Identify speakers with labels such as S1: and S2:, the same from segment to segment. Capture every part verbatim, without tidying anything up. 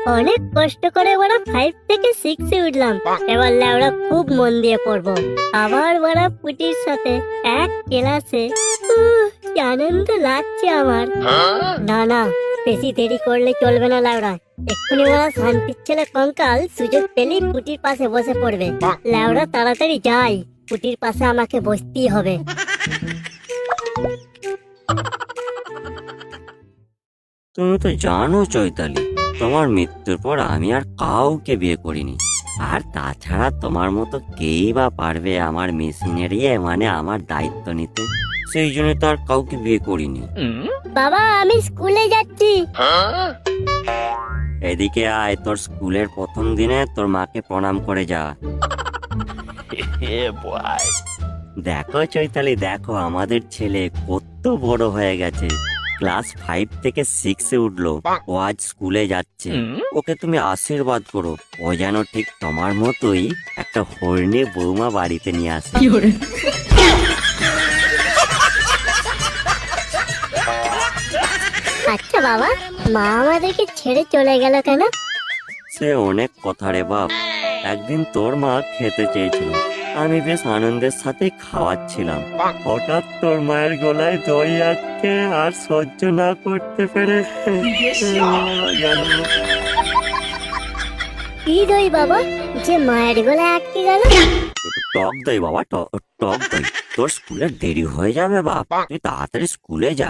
S1: অনেক কষ্ট করে বড় ফাইভ থেকে সিক্সে উঠলাম। এবার লেওড়া খুব মন দিয়ে পড়বো। আবার বড় পুটির সাথে এক ক্লাসে। উহ, কি আনন্দ লাগছে আমার। না না, বেশি দেরি করলে চলবে না লেওড়া। এক্ষুনি ওরা শান্তির ছেলে কঙ্কাল সুযোগ পেলেই পুটির পাশে বসে পড়বে। লেওড়া তাড়াতাড়ি যাই, পুটির পাশে আমাকে বসতেই হবে।
S2: তুমি তো জানো চৈতালি, তোমার মৃত্যুর পর আমি আর কাউকে বিয়ে করিনি। আর তাছাড়া তোমার মতো কেই বা পারবে আমার মেশিনারি মানে আমার দায়িত্ব নিতে। সেই জন্য তো আর কাউকে বিয়ে করিনি।
S1: বাবা, আমি স্কুলে যাচ্ছি।
S2: এদিকে আয়, তোর স্কুলের প্রথম দিনে তোর মাকে প্রণাম করে যা। দেখো চৈতালি, দেখো আমাদের ছেলে কত বড় হয়ে গেছে। ক্লাস ফাইভ থেকে সিক্সে উঠলো, ও আজ স্কুলে যাচ্ছে। ওকে তুমি আশীর্বাদ করো, ও যেন ঠিক তোমার মতোই একটা হরিণী বৌমা বাড়িতে নিয়ে আসে।
S1: আচ্ছা বাবা, মা আমাদেরকে ছেড়ে চলে গেল কেন?
S2: সে অনেক কথা রে বাপ। একদিন তোর মা খেতে চেয়েছিল, আমি বেশ আনন্দের সাথে খাওয়াচ্ছিলাম। হঠাৎ তোর মায়ের গলায় দই আটকে আর সহ্য না করতে পেরে
S1: কি দই বাবা, যে মায়ের গলায় আটকে গেল?
S2: টক দই বাবা, ট- টক দই। তোর স্কুলে দেরি হয়ে যাবে বাপ, তুই তাড়াতাড়ি স্কুলে যা।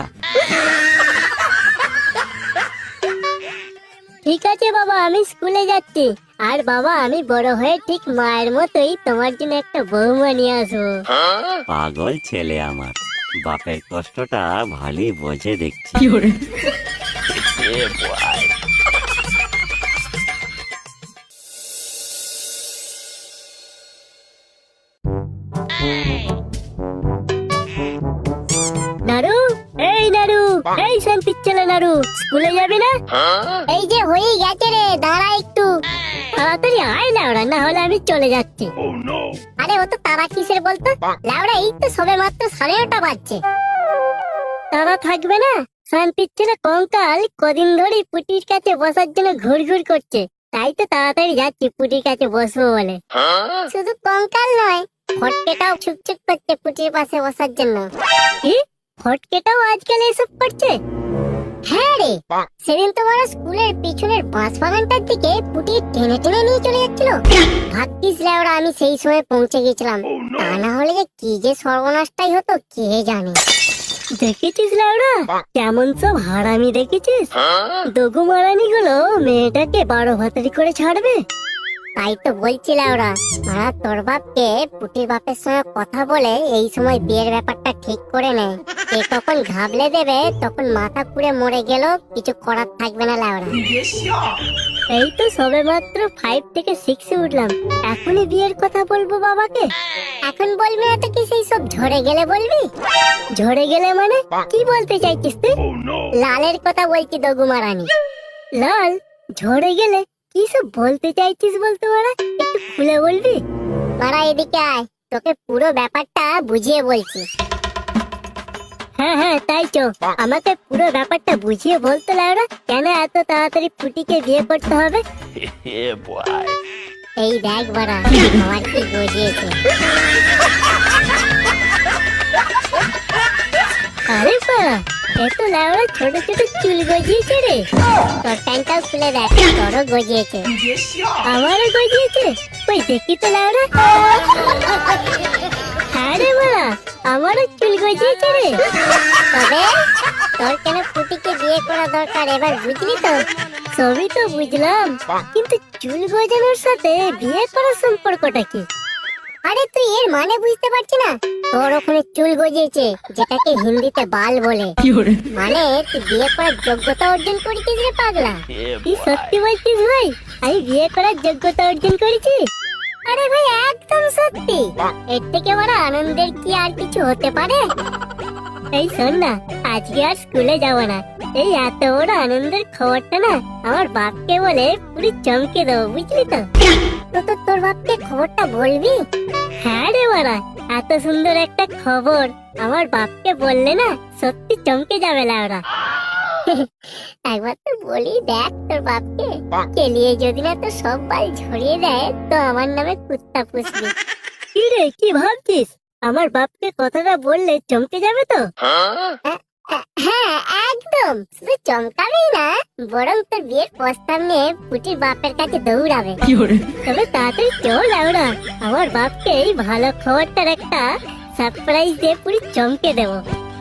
S1: ঠিক আছে বাবা, আমি স্কুলে যাচ্ছি। আর বাবা, আমি বড় হয়ে ঠিক মায়ের মতোই তোমার জন্য একটা বৌমা নিয়ে আসবো।
S2: পাগল ছেলে আমার, বাপের কষ্টটা ভালোই বোঝে দেখছি।
S1: নারু, এই নারু, এই শান্তির ছেলে নারু, স্কুলে যাবি না? এই যে হয়ে গেছে রে, দাঁড়া একটু। তাড়াতাড়ি আয় লাউড়া, না হলে আমি চলে যাচ্ছি। আরে ও তো তারা কিসের বলতো লাউড়া, এই তো সবে মাত্র সাড়ে নটা বাজছে। তারা থাকবে না? শান্তির ছেলে কঙ্কাল কদিন ধরে পুটির কাছে বসার জন্য ঘুর ঘুর করছে, তাই তো তাড়াতাড়ি যাচ্ছি পুটির কাছে বসবো বলে। শুধু কঙ্কাল নয়, ফটকেটাও ছুকছুক করছে পুটির পাশে বসার জন্য। কি? ফটকেটাও আজকাল এসব করছে? হ্যাঁ রে, সেদিন তোমার স্কুলের পিছনের বাঁশ বাগানটার দিকে পুটি টেনে টেনে নিয়ে চলে যাচ্ছিল। ভাগ্যিস লেওরা আমি সেই সময় পৌঁছে গেছিলাম, তা না হলে যে কি যে সর্বনাশটাই হতো কে জানে। দেখেছিস লেওরা, কেমন সব হারামি দেখেছিস? দগু মারানি গুলো মেয়েটাকে বারো ভাতারি করে ছাড়বে। তাই তো বলছিলাম ওরা, ওরা তোর বাপকে পুটির বাপের সঙ্গে কথা বলে এই সময় বিয়ের ব্যাপারটা ঠিক করে নেয়। কে কখন ঘাবলে দেবে, তখন মাথা পুড়ে মরে গেল, কিছু করার থাকবে না লাউরা। এই তো সবে মাত্র ফাইভ থেকে সিক্সে উঠলাম, এখনই বিয়ের কথা বলবো বাবাকে? এখন বলবি না তো কি সেই সব ঝরে গেলে বলবি? ঝরে গেলে মানে কি বলতে চাইছিস তুই? লালের কথা বলছি দগুমা রানী। লাল ঝরে গেলে কি সব বলতে চাইছিস বলতে পারা, একটু খুলে বলবি? মারা এদিকে আয়, তোকে পুরো ব্যাপারটা বুঝিয়ে বলছি। হ্যাঁ হ্যাঁ তাই তো, আমাকে পুরো ব্যাপারটা বুঝিয়ে বলতে লাউরা, কেন এত তাড়াতাড়ি পুটিকে বিয়ে করতে হবে? এই দেখ বাড়া, আমার কি বুঝিয়েছে। আরে বাড়া, এত লাউরা ছোট ছোট চুল গজিয়েছে রে। তোর প্যান্টটাও খুলে দেখ, তোরও গজিয়েছে। আমারও গজিয়েছে? ওই দেখি তো লাউরা। হ্যাঁ রে বাড়া, আমারও চুল গজিয়েছে রে। তবে তোর কেন পুটিকে বিয়ে করা দরকার এবার বুঝলি তো? সবই তো বুঝলাম, কিন্তু চুল গজানোর সাথে বিয়ে করার সম্পর্কটা কি? আরে তুই এর মানে বুঝতে পারছি না? তোর ওখানে চুল গজিয়েছে, যেটাকে হিন্দিতে বাল বলে। মানে তুই বিয়ে করার যোগ্যতা অর্জন করেছিস রে পাগলা। তুই সত্যি বলছিস ভাই, আমি বিয়ে করার যোগ্যতা অর্জন করেছি? আরে ভাই একদম সত্যি। এর থেকে বড় আনন্দের কি আর কিছু হতে পারে? এই শোন না, আজকে আর স্কুলে যাব না। এই এত বড় আনন্দের খবরটা না আমার বাপকে বলে পুরো চমকে দেবো, বুঝলি তো? তো তো তোর বাপকে খবরটা বলবি? হ্যাঁ রে বাড়া, এত সুন্দর একটা খবর আমার বাপকে বললে না সত্যি চমকে যাবে লাউরা। একবার তো বলি দেখ তোর বাপকে, কেলিয়ে যদি না তো সব বাল ঝরিয়ে দেয় তো আমার নামে কুত্তা পুষবি। কি রে কি ভাবছিস? আমার বাপকে কথাটা বললে চমকে যাবে তো? হ্যাঁ একদম, শুধু চমকাবেই না, বরং তোর বিয়ের প্রস্তাব নিয়ে পুটির বাপের কাছে দৌড়াবে। তবে তাড়াতাড়ি চল আমরা, আমার বাপকে এই ভালো খবরটার একটা সারপ্রাইজ দিয়ে পুরি চমকে দেবো।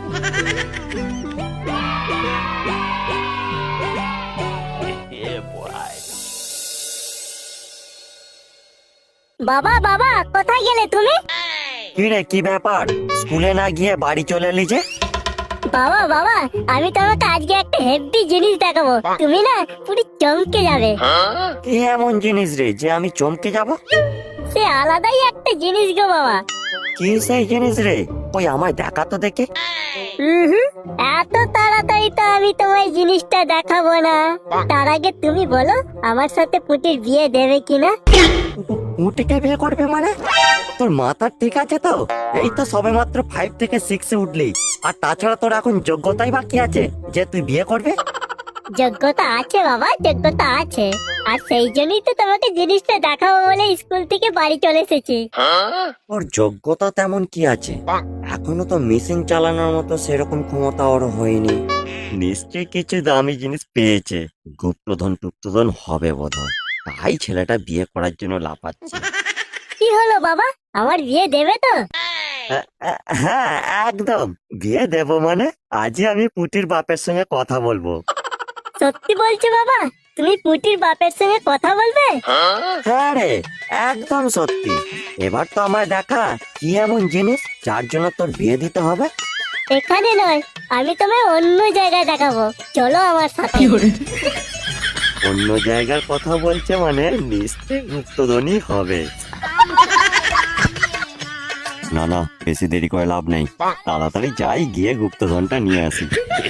S1: বাবা বাবা কোথায় গেলে তুমি?
S2: কি রে কি ব্যাপার, স্কুলে না গিয়ে বাড়ি চলে এলি যে?
S1: বাবা বাবা আমি তোমাকে আজকে একটা হেভি জিনিস দেখাবো, তুমি না পুরি চমকে যাবে।
S2: কি এমন জিনিস রে যে আমি চমকে যাব?
S1: সে আলাদাই একটা জিনিস গো বাবা।
S2: কি সেই জিনিস রে? ওই আমায় দেখা তো দেখে।
S1: হুম এত তাড়াতাড়ি তো আমি তোমায় জিনিসটা দেখাবো না, তার আগে তুমি বলো আমার সাথে পুটির বিয়ে দেবে কিনা?
S2: উঠে বিয়ে করবে মানে? তোর মাথা ঠিক আছে তো? এই তো সবে মাত্র ফাইভ থেকে সিক্সে উঠলি, আর তাছাড়া তোর এখন যোগ্যতাই বাকি আছে যে তুই বিয়ে করবে?
S1: যোগ্যতা আছে বাবা, যোগ্যতা আছে, আর সেই জন্যই তো তোমাকে জিনিসটা দেখাবো বলে স্কুল থেকে বাড়ি চলে এসেছি।
S2: ওর যোগ্যতা তেমন কি আছে? এখনো তো মেশিন চালানোর মতো সেরকম ক্ষমতা ওর হয়নি। নিশ্চয়ই কিছু দামি জিনিস পেয়েছে, গুপ্তধন টুপ্তধন হবে বোধহয়, তাই ছেলেটা বিয়ে করার জন্য লাফাচ্ছে।
S1: কি হলো বাবা, আমার বিয়ে দেবে তো?
S2: হ্যাঁ একদম বিয়ে দেব, মানে আজই আমি পুটির বাপের সঙ্গে কথা বলবো।
S1: সত্যি বলছো বাবা, তুমি পুটির বাপের সঙ্গে কথা বলবে?
S2: হ্যাঁ রে একদম সত্যি। এবার তো আমায় দেখা কি এমন জিনিস যার জন্য তোর বিয়ে দিতে হবে।
S1: এখানে নয়, আমি তোমায় অন্য জায়গায় দেখাবো, চলো আমার সাথে।
S2: অন্য জায়গার কথা বলছে মানে নিশ্চয়ই গুপ্তধনই হবে। না না বেশি দেরি করে লাভ নেই, তাড়াতাড়ি যাই গিয়ে গুপ্তধনটা নিয়ে আসি।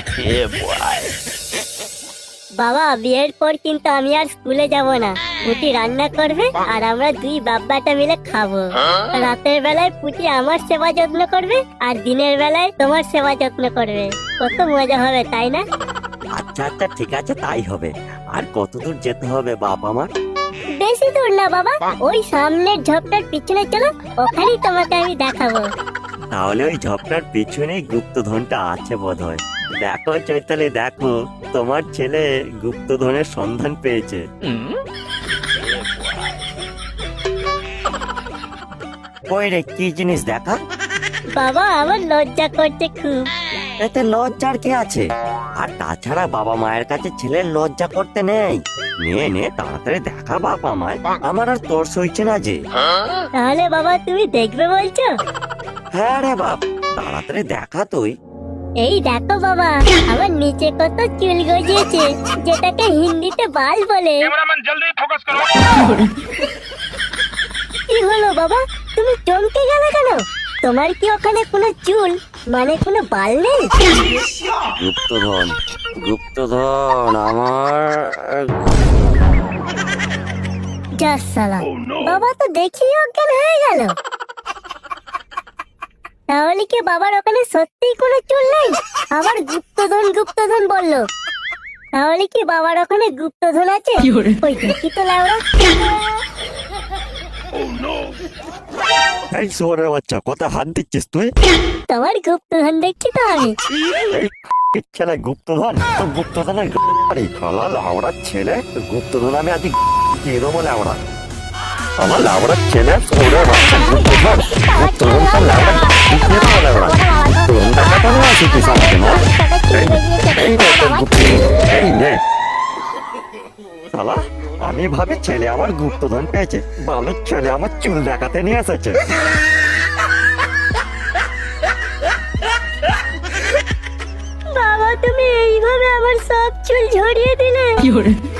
S1: বাবা বিয়ের পর কিন্তু আমি আর স্কুলে যাব না, পুটি রান্না করবে আর আমরা দুই বাব্বাটা মিলে খাবো। রাতের বেলায় পুটি আমার সেবা যত্ন করবে আর দিনের বেলায় তোমার সেবা যত্ন করবে, কত মজা হবে তাই না?
S2: আচ্ছা আচ্ছা ঠিক আছে তাই হবে। আর কত দূর যেতে হবে বাপ আমার?
S1: বেশি দূর না বাবা, ওই সামনের ঝোপটার পিছনে চলো, ওখানেই তোমাকে আমি দেখাবো।
S2: তাহলে ওই ঝপটার পিছনেই গুপ্তধনটা আছে বোধহয়। দেখো চৈতালি দেখো, তোমার ছেলে গুপ্তধনের সন্ধান পেয়েছে। ওই রে কি জিনিস দেখা?
S1: বাবা আমার লজ্জা করছে খুব।
S2: এতে লজ্জার কি আছে? আর তাছাড়া বাবা মায়ের কাছে ছেলের লজ্জা করতে নেই। নে নে তাড়াতাড়ি দেখা বাবা মায়, আমার আর তোর সইছে না যে।
S1: তাহলে বাবা তুমি দেখবে বলছো?
S2: হ্যাঁ রে বাপ, তাড়াতাড়ি দেখা তুই।
S1: এই দেখো বাবা, আমার নিচে কত চুল গজিয়েছে, যেটাকে হিন্দিতে বাল বলে।
S3: कैमरामैन जल्दी फोकस करो।
S1: কি হলো বাবা, তুমি চমকে গেলে কেন? তোমার কি ওখানে কোনো চুল মানে কোনো বাল নেই?
S2: গুপ্তধন গুপ্তধন আমার।
S1: যা সালা, বাবা তো দেখি অজ্ঞান হয়ে গেল। তাহলে কি বাবার ওখানে সত্যিই কোনো চুল নেই? আবার গুপ্তধন গুপ্তধন বললো, তাহলে কি বাবার ওখানে গুপ্তধন আছে? ওই দেখি তো লাউড়া।
S2: এই শোরে বাচ্চা, কথা হাত দিচ্ছিস তুই?
S1: তোমার গুপ্তধন দেখছি তো আমি।
S2: এই ছেলে গুপ্তধন, তো গুপ্তধনের আরে খালা লাউড়া ছেলে, গুপ্তধন আমি আজ দিয়ে দেবো লাউড়া। আমার লাউড়ার ছেলে শোরে বাচ্চা গুপ্তধন, গুপ্তধন তো লাউড়া দিয়ে দেবো লাউড়া। তোর টাকা তো না আছে কিছু আমাকে না। এই নে তোর গুপ্তধন, এই নে। শালা আমি ভাবে ছেলে আমার গুপ্তধন পেয়েছে, বালের ছেলে আমার চুল দেখাতে নিয়ে এসেছে।
S1: বাবা তুমি এইভাবে আমার সব চুল ঝরিয়ে দিলে।